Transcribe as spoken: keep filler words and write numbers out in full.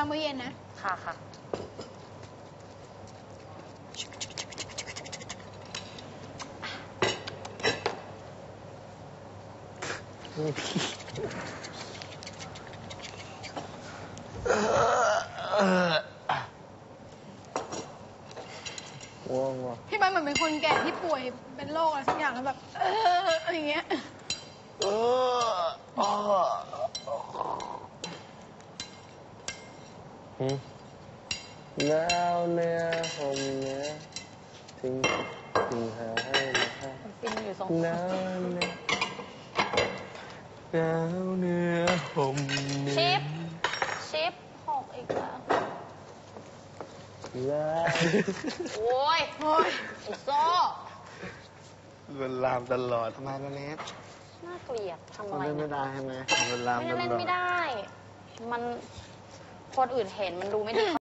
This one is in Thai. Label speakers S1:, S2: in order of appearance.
S1: างมื้อเย็นนะ
S2: ค่ะค่ะ
S1: พี่บ้านเหมือนเป็นคนแก่ที่ป่วยเป็นโรคอะไรสักอย่างแล้วแบบเอออย่างเงี้ย
S3: แล้วเนื้อผมเนื้อทิ้งทิ้งหาให้นะ
S2: ฟินอยู่สอง
S3: แล้วเนื้อแล้วเนื้อผมเนื้อ
S2: ชิปชิปหกอีกแล้ว
S3: แล้ว
S2: โอ้ยโอ้ยไอ้โซ่
S3: มันลามตลอดทำไมล่ะเนส
S2: น่าเกลียดทำอะไร
S3: มันเล่นไม่ได้ใช่ไหมมันลามตลอด
S2: ไม่ได้เล่นไม่ได้ มันคนอื่นเห็นมันดูไม่ดี